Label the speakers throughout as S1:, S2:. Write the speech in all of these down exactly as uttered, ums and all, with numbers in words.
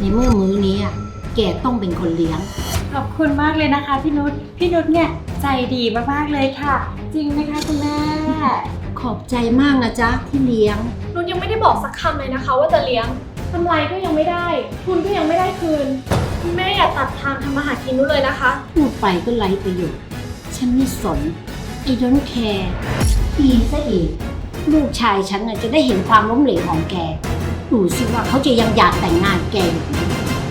S1: เมื่อมื้อนี้อะแกต้องเป็นคนเลี้ยง
S2: ขอบคุณมากเลยนะคะพี่นุชพี่นุชเนี่ยใจดีมากๆเลยค่ะจริงไหมคะคุณแม่
S1: ขอบใจมากนะจ๊ะที่เลี้ยง
S3: นุชยังไม่ได้บอกสักคำเลยนะคะว่าจะเลี้ยงกำไรก็ยังไม่ได้ทุนก็ยังไม่ได้คืนคุณแม่อย่าตัดทางทำมาหากินนุชเลยนะคะ
S1: พูดไปก็ไร้ประโยชน์ฉันไม่สนไอ้ดอนแคร์ดีซะอีกลูกชายฉันน่ะจะได้เห็นความล้มเหลวของแกดูสิว่าเขาจะยังอยากแต่งงานแกอยู่ไหม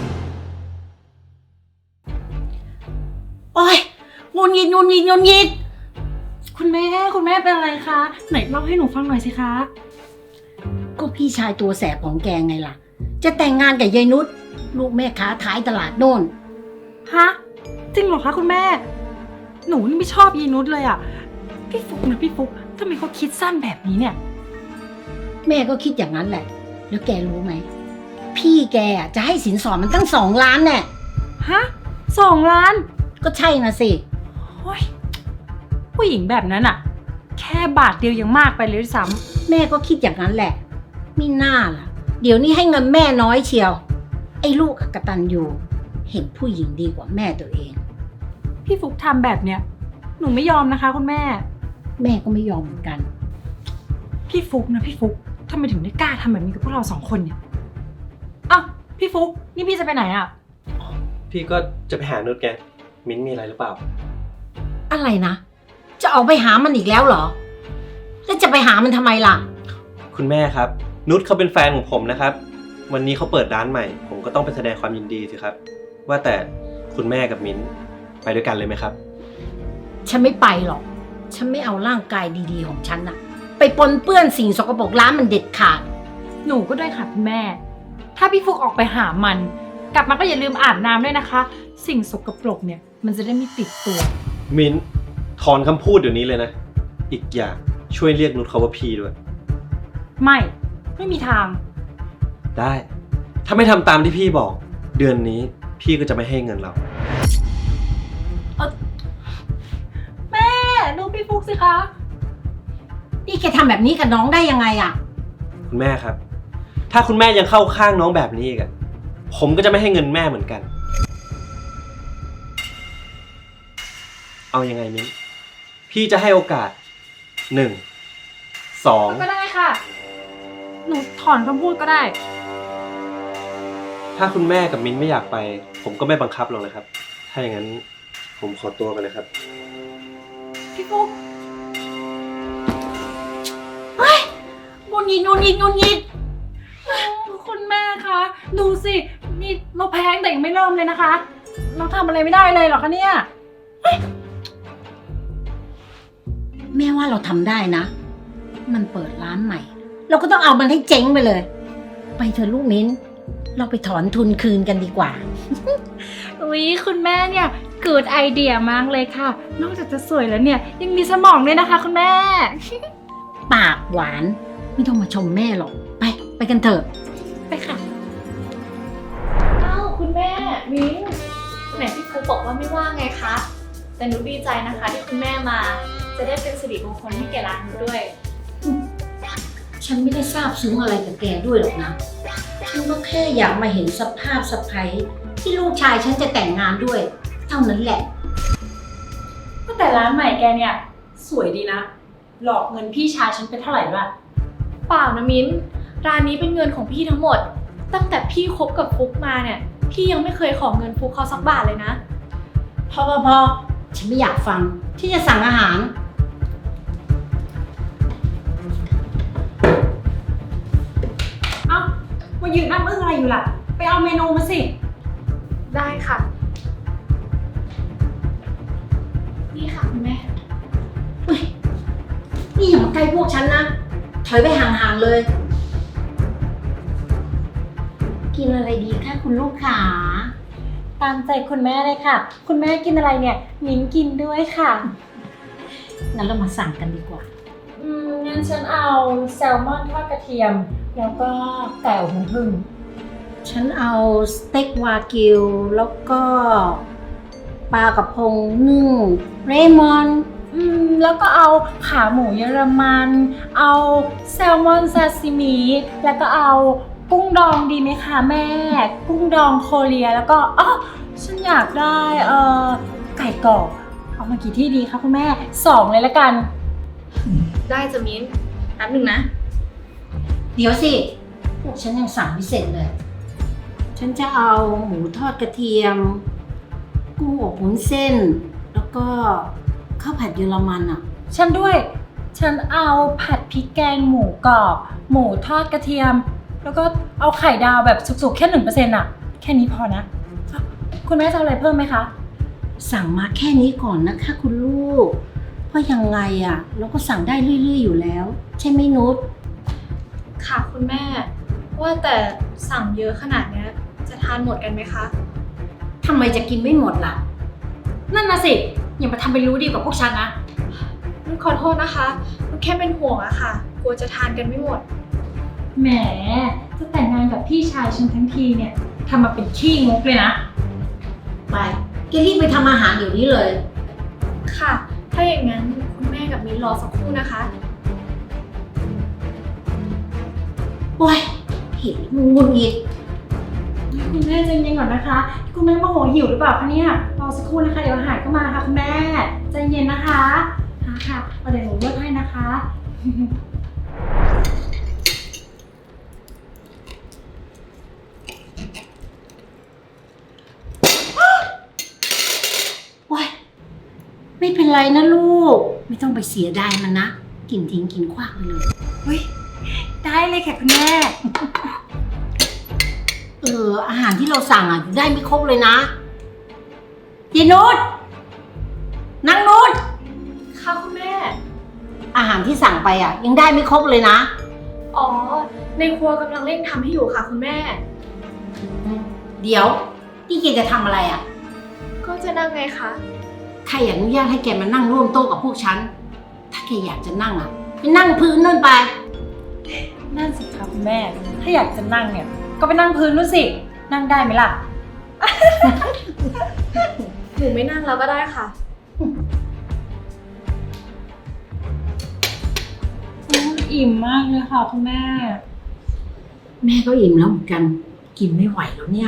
S1: โอ๊ยงุนงิดงุนงิดงุนงิด
S2: คุณแม่คุณแม่เป็นอะไรคะไหนเล่าให้หนูฟังหน่อยสิคะ
S1: ก็พี่ชายตัวแสบของแกไงล่ะจะแต่งงานกับยายนุชลูกแม่ค้าท้ายตลาดโน่น
S2: ฮะจริงเหรอคะคุณแม่หนูนี่ไม่ชอบยีนุชเลยอ่ะพี่ฟุกนะพี่ฟุกทำไมเขาคิดสั้นแบบนี้เนี่ย
S1: แม่ก็คิดอย่างนั้นแหละแล้วแกรู้ไหมพี่แกจะให้สินสอดมันตั้งสองล้านแน่
S2: ฮะสองล้าน
S1: ก็ใช่นะสิ
S2: โอ้ยผู้หญิงแบบนั้นอะแค่บาทเดียวยังมากไปเลยด้วยซ้
S1: ำแม่ก็คิดอย่างนั้นแหละไม่น่าล่ะเดี๋ยวนี้ให้เงินแม่น้อยเชียวไอ้ลูกอกตัญญูเห็นผู้หญิงดีกว่าแม่ตัวเอง
S2: พี่ฟุกทำแบบเนี้ยหนูไม่ยอมนะคะคุณแม่
S1: แม่ก็ไม่ยอมเหมือนกัน
S2: พี่ฟุกนะพี่ฟุกทำไมถึงได้กล้าทำแบบนี้กับพวกเราสองคนเนี่ยอ้าวพี่ฟุกนี่พี่จะไปไหนอะ
S4: พี่ก็จะไปหานุชแกมิ้นมีอะไรหรือเปล่า
S1: อะไรนะจะออกไปหามันอีกแล้วเหรอแล้วจะไปหามันทำไมล่ะ
S4: คุณแม่ครับนุชเขาเป็นแฟนของผมนะครับวันนี้เขาเปิดร้านใหม่ผมก็ต้องไปแสดงความยินดีสิครับว่าแต่คุณแม่กับมิ้นไปด้วยกันเลยไหมครับ
S1: ฉันไม่ไปหรอกฉันไม่เอาร่างกายดีๆของฉันน่ะไปปนเปื้อนสิ่งสกปรกร้านมันเด็ดขาด
S2: หนูก็ได้ค่ะคุณแม่ถ้าพี่ฟุกออกไปหามันกลับมาก็อย่าลืมอาบน้ำด้วยนะคะสิ่งสกปรกเนี่ยมันจะได้ไม่ติดตัว
S4: มิ้นถอนคำพูดเดี๋ยวนี้เลยนะอีกอย่างช่วยเรียกนุชเขาว่าพี่ด้วย
S2: ไม่ไม่มีทาง
S4: ได้ถ้าไม่ทำตามที่พี่บอกเดือนนี้พี่ก็จะไม่ให้เงินเรา
S2: เออแม่ดูพี่ฟุกสิคะ
S1: นี่แกทำแบบนี้กับน้องได้ยังไงอะ
S4: คุณแม่ครับถ้าคุณแม่ยังเข้าข้างน้องแบบนี้อีกอะผมก็จะไม่ให้เงินแม่เหมือนกันเอายังไงมิ้นพี่จะให้โอกาสหนึ่งสอง
S2: ก็ได้ค่ะหนูถอนคำพูดก็ได้
S4: ถ้าคุณแม่กับมิ้นไม่อยากไปผมก็ไม่บังคับหรอกนะครับถ้าอย่างนั้นผมขอตัวไปเลยครับ
S2: พี่ฟุ๊ก
S1: เฮ้ยงุนงิดงุนงิดงุนงิด
S2: คุณแม่คะดูสินี่เราแพ้แต่ยังไม่เริ่มเลยนะคะเราทำอะไรไม่ได้เลยหรอคะเนี่ย
S1: แม่ว่าเราทำได้นะมันเปิดร้านใหม่เราก็ต้องเอามันให้เจ๊งไปเลยไปเถอะลูกมิ้นเราไปถอนทุนคืนกันดีกว่า
S2: อุ๊ยคุณแม่เนี่ยเกิดไอเดียมากเลยค่ะนอกจากจะสวยแล้วเนี่ยยังมีสมองด้วยนะคะคุณแม่
S1: ปากหวานไม่ต้องมาชมแม่หรอกไปไปกันเถอะ
S2: ไปค่ะ
S3: อ้าวคุณแม่มิ้นไหนพี่ฟุกบอกว่าไม่ว่างไงคะแต่หนูดีใจนะคะที่คุณแม่มาจะได้เป็นสิริมงคลให้แก่ร้านหนูด้วย
S1: ฉันไม่ได้ทราบซึ้งอะไรกับแกด้วยหรอกนะฉันก็แค่อยากมาเห็นสภาพสะใภ้ที่ลูกชายฉันจะแต่งงานด้วยเท่านั้นแหละ
S2: ก็แต่ร้านใหม่แกเนี่ยสวยดีนะหลอกเงินพี่ชายฉันเป็นเท่าไหร่ด้วย
S3: เปล่านะมิ้นร้านนี้เป็นเงินของพี่ทั้งหมดตั้งแต่พี่คบกับฟุกมาเนี่ยพี่ยังไม่เคยขอเงินฟุกเขาสักบาทเลยนะ
S1: พอพอพอฉันไม่อยากฟังที่จะสั่งอาหาร
S2: เอ้ามายืนนั่งอึ้งอะไรอยู่ล่ะไปเอาเมนูมาสิ
S3: ได้ค่ะนี่ค่ะคุณแม่
S1: เฮ้ยนี่อย่ามาใกล้พวกฉันนะถอยไปห่างๆเลยกินอะไรดีคะคุณลูกขา
S2: ตามใจคุณแม่เลยค่ะคุณแม่กินอะไรเนี่ยมิ้นกินด้วยค่ะ
S1: งั้นเรามาสั่งกันดีกว่า
S2: อืมงั้นฉันเอาแซลมอนทอดกระเทียมแล้วก็ไก่อบน้ำผึ้ง
S1: ฉันเอาสเต็กวากิวแล้วก็ปลากระพงนึ่งเรมอน
S2: อืมแล้วก็เอาขาหมูเยอรมันเอาแซลมอนซาซิมิแล้วก็เอากุ้งดองดีไหมคะแม่ กุ้งดองโคเรียแล้วก็อ๋อฉันอยากได้เอ่อไก่กรอบเอามากี่ที่ดีคะคุณแม่สองเลยละกัน
S3: ได้จะมิ้นแป๊บหนึ่งนะ
S1: เดี๋ยวสิ พวกฉันยังสั่งไม่เสร็จเลย ฉันจะเอาหมูทอดกระเทียม กุ้งอบวุ้นเส้น แล้วก็ข้าวผัดเยอรมันอ่ะ
S2: ฉันด้วย ฉันเอาผัดพริกแกงหมูกรอบ หมูทอดกระเทียม แล้วก็เอาไข่ดาวแบบสุกๆแค่หนึ่งเปอร์เซ็นต์อะแค่นี้พอนะ คุณแม่จะเอาอะไรเพิ่มไหมคะ
S1: สั่งมาแค่นี้ก่อนนะคะคุณลูก เพราะยังไงอ่ะ เราก็สั่งได้เรื่อยๆอยู่แล้ว ใช่ไหมนุช
S3: ค่ะคุณแม่ ว่าแต่สั่งเยอะขนาดเนี้ยจะทานหมดกันไหมคะ
S1: ทำไมจะกินไม่หมดล่ะ
S2: นั่นนะสิ อย่ามาทำเป็นรู้ดีกว่าพวกฉันนะ
S3: นุชขอโทษนะคะนุชแค่เป็นห่วงอะค่ะ กลัวจะทานกันไม่หมด
S2: แหม จะแต่งงานกับพี่ชายฉันทั้งทีเนี่ยทำมาเป็นขี้งกเลยนะ
S1: ไปแกรีบไปทำอาหารเดี๋ยวนี้เลย
S3: ค่ะ ถ้าอย่างนั้นคุณแม่กับมิ้นรอสักครู่นะคะ
S1: โอ้ยเห็นมันงุนงิด
S2: คุณแม่ใจเย็นก่อนนะคะ คุณแม่โมโหหิวหรือเปล่าคะเนี่ย รอสักครู่นะคะ เดี๋ยวอาหารก็มาค่ะคุณแม่ ใจเย็นนะคะค่ะค่ะเอาเดี๋ยวหนูเลือกให้นะคะ
S1: โอ้ยไม่เป็นไรนะลูก ไม่ต้องไปเสียดายมันนะ กินทิ้งกินขว้างไปเลย
S2: เฮ้ย ได้เลยค่ะคุณแม่
S1: เออ อาหารที่เราสั่งอ่ะได้ไม่ครบเลยนะเยนุชนางนุช
S3: ค่ะคุณแม่
S1: อาหารที่สั่งไปอ่ะ ยังได้ไม่ครบเลยนะ
S3: อ๋อ ในครัวกำลังเร่งทำให้อยู่ค่ะคุณแม่
S1: เดี๋ยวนี่แกจะทำอะไรอ่ะ
S3: ก็จะนั่งไงคะ
S1: ใครอนุญาตให้แกมานั่งร่วมโต๊ะกับพวกฉัน ถ้าแกอยากจะนั่งอ่ะไปนั่งพื้นนั่นไป
S2: นั่นสิคะคุณแม่ ถ้าอยากจะนั่งเนี่ย ก็ไปนั่งพื้นนู่นสิ นั่งได้ไหมล่ะ
S3: หนูไม่นั่งแล้วก็ได้ค่ะ
S2: อิ่มมากเลยค่ะคุณแม่
S1: แม่ก็อิ่มแล้วเหมือนกัน กินไม่ไหวแล้วเนี่ย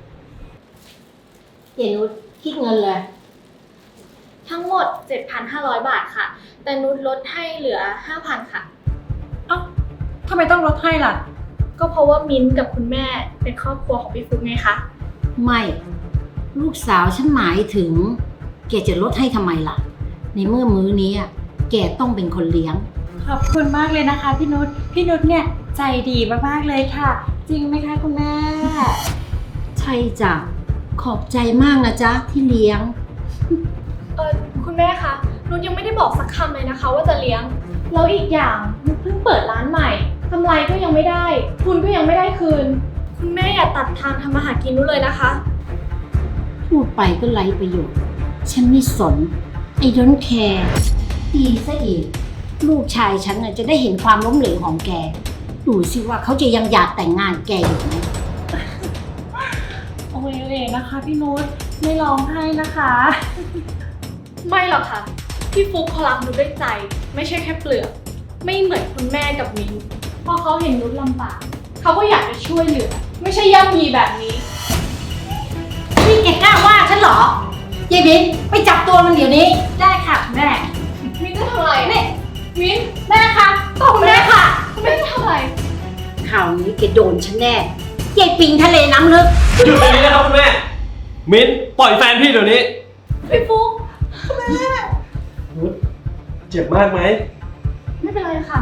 S1: เจนุชคิดเงินเลย
S3: ทั้งหมด เจ็ดพันห้าร้อย บาทค่ะ แต่นุชลดให้เหลือ ห้าพัน ค่ะ
S2: เอ้าทำไมต้องลดให้ล่ะ
S3: ก็เพราะว่ามิ้นท์กับคุณแม่เป็นครอบครัวของพี่ฟุ๊กไงคะ
S1: ไม่ ลูกสาวฉันหมายถึง แกจะลดให้ทำไมล่ะ ในเมื่อมื้อนี้อะแกต้องเป็นคนเลี้ยง
S2: ขอบคุณมากเลยนะคะพี่นุช พี่นุชเนี่ยใจดีมากๆเลยค่ะ จริงไหมคะคุณแม่
S1: ใช่จ้ะขอบใจมากนะจ๊ะที่เลี้ยง
S3: เออคุณแม่คะ นุชยังไม่ได้บอกสักคำเลยนะคะ ว่าจะเลี้ยง แล้วอีกอย่างนุชเพิ่งเปิดร้านใหม่กำไรก็ยังไม่ได้ ทุนก็ยังไม่ได้คืน คุณแม่อย่าตัดทางทำมาหากินนุชเลยนะคะ
S1: พูดไปก็ไร้ประโยชน์ ฉันไม่สน ไอ้ดอนแคร์ดีซะอีก ลูกชายฉันน่ะจะได้เห็นความล้มเหลวของแก ดูสิว่าเขาจะยังอยากแต่งงานแกอยู่ไหม
S2: โอเคเลยนะคะพี่นุช ไม่ร้องไห้นะคะ
S3: ไม่หรอกค่ะ พี่ฟุ๊กเขารักนุชด้วยใจ ไม่ใช่แค่เปลือก ไม่เหมือนคุณแม่กับมิ้นท์พอเขาเห็นนุชลำบากเขาก็อยากจะช่วยเหลือ ไม่ใช่ย่ำยีแบบนี้
S1: นี่แกกล้าว่าฉันเหรอยายบินไปจับตัวมันเดี๋ยวนี้
S2: ได้ค่ะแม่
S3: มิ้นท์จะทำอะไร
S2: นี่
S3: มิ้นท์
S2: แม่คะตบแม่ค่ะ
S3: คุณแม่จะทำอะไร
S1: คราวนี้แกโดนฉันแน่ยายปิงทะเลน้ำลึก
S4: หยุดตรงนี้นะครับคุณแม่ มิ้นปล่อยแฟนพี่เดี๋ยวนี้
S3: พี่ฟุ๊ก
S4: นุชเจ็บมากไหม
S3: ไม่เป็นไรค่ะ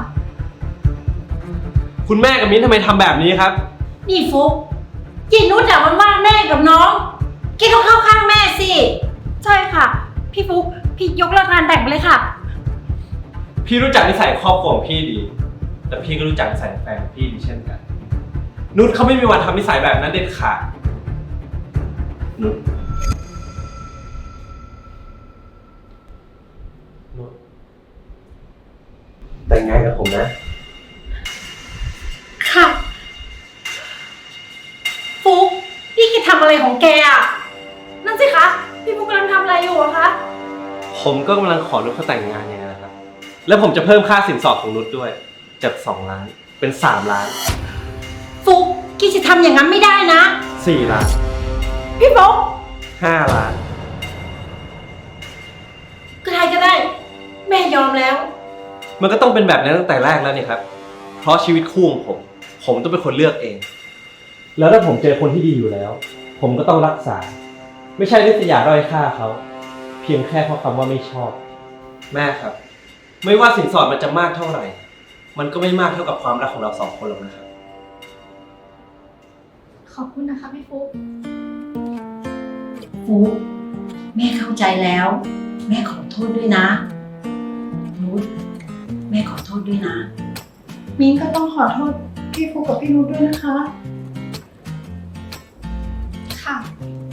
S4: คุณแม่กับมิ้นทำไมทำแบบนี้ครับ
S1: นี่ฟุกยายนุชอะมันว่าแม่กับน้องแกต้องเข้าข้างแม่สิ
S2: ใช่ค่ะ พี่ฟุ๊กพี่ยกเลิกงานแต่งไปเลยค่ะ
S4: พี่รู้จักนิสัยครอบครัวของพี่ดี แต่พี่ก็รู้จักนิสัยแฟนของพี่ดีเช่นกัน นุชเขาไม่มีวันทำนิสัยแบบนั้นเด็ดขาด นุชนุชแต่งงานกับผมนะ
S2: ค่ะ ฟุ๊กนี่แกทำอะไรของแกอ่ะ นั่นสิคะ พี่ฟุ๊กกำลังทำอะไรอยู่อะคะ
S4: ผมก็กำลังขอนุชเขาแต่งงานอย่างนั้นนะครับ แล้วผมจะเพิ่มค่าสินสอดของนุชด้วย จากสองล้านเป็นสามล้าน
S2: ฟุ๊ก
S1: แกจะทำอย่างนั้นไม่ได้นะ
S4: สี่ล้าน
S1: พี่ฟุก
S4: ห้าล้าน
S1: ก็ได้ก็ได้ แม่ยอมแล้ว
S4: มันก็ต้องเป็นแบบนั้นตั้งแต่แรกแล้วนี่ครับ เพราะชีวิตคู่ของผม ผมต้องเป็นคนเลือกเอง แล้วถ้าผมเจอคนที่ดีอยู่แล้ว ผมก็ต้องรักษา ไม่ใช่ริษยาด้อยค่าเขา เพียงแค่เพราะคำว่าไม่ชอบ แม่ครับ ไม่ว่าสินสอดมันจะมากเท่าไหร่ มันก็ไม่มากเท่ากับความรักของเราสองคนหรอกนะครับ
S3: ขอบคุณนะคะพี่ฟุ๊ก
S1: ฟุกแม่เข้าใจแล้ว แม่ขอโทษด้วยนะนุชแม่ขอโทษด้วยนะ
S3: มิ้นก็ต้องขอโทษพี่ฟุ๊กกับพี่นุชด้วยนะคะ ค่ะ